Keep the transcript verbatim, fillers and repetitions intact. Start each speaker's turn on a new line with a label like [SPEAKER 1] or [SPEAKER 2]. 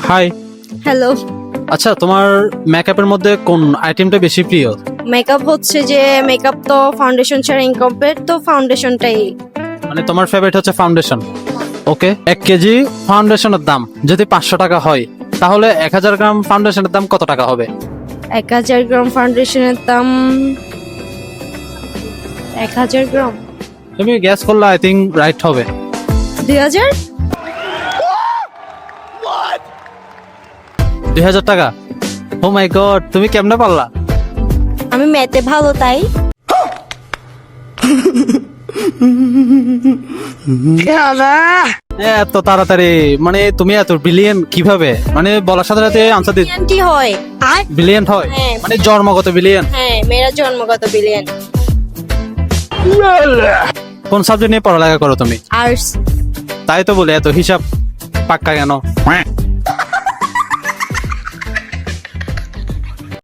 [SPEAKER 1] High.
[SPEAKER 2] Hello.
[SPEAKER 1] আচ্ছা, তোমার মেকআপের মধ্যে কোন আইটেমটা বেশি প্রিয়?
[SPEAKER 2] মেকআপ হচ্ছে যে মেকআপ তো ফাউন্ডেশন ছাড়া ইনকমপ্লিট, তো ফাউন্ডেশনটাই।
[SPEAKER 1] মানে তোমার ফেভারিট হচ্ছে ফাউন্ডেশন। ওকে, এক কেজি ফাউন্ডেশনের দাম যদি পাঁচশো টাকা হয়, তাহলে এক হাজার গ্রাম ফাউন্ডেশনের দাম কত টাকা হবে?
[SPEAKER 2] এক হাজার গ্রাম ফাউন্ডেশনের দাম এক হাজার গ্রাম
[SPEAKER 1] তুমি গ্যাস করলে আই থিঙ্ক রাইট হবে।
[SPEAKER 2] দুই হাজার
[SPEAKER 1] দুই হাজার টাকা। ও মাই গড, তুমি কেমনে পারলা?
[SPEAKER 2] আমি ম্যাথে ভালো তাই।
[SPEAKER 1] এত তাড়াতাড়ি, মানে তুমি এত ব্রিলিয়েন্ট কিভাবে? মানে বলার সাথে সাথে আনসার দিতে
[SPEAKER 2] বিলিয়নটি হয়। আর
[SPEAKER 1] ব্রিলিয়েন্ট হয়?
[SPEAKER 2] হ্যাঁ।
[SPEAKER 1] মানে জন্মগত ব্রিলিয়েন্ট?
[SPEAKER 2] হ্যাঁ, মেয়েরা জন্মগত বিলিয়ন।
[SPEAKER 1] কোন সাবজেক্ট নিয়ে পড়ালেখা করো তুমি?
[SPEAKER 2] আর্টস।
[SPEAKER 1] তাই তো বলে এত হিসাব পাক্কা কেন?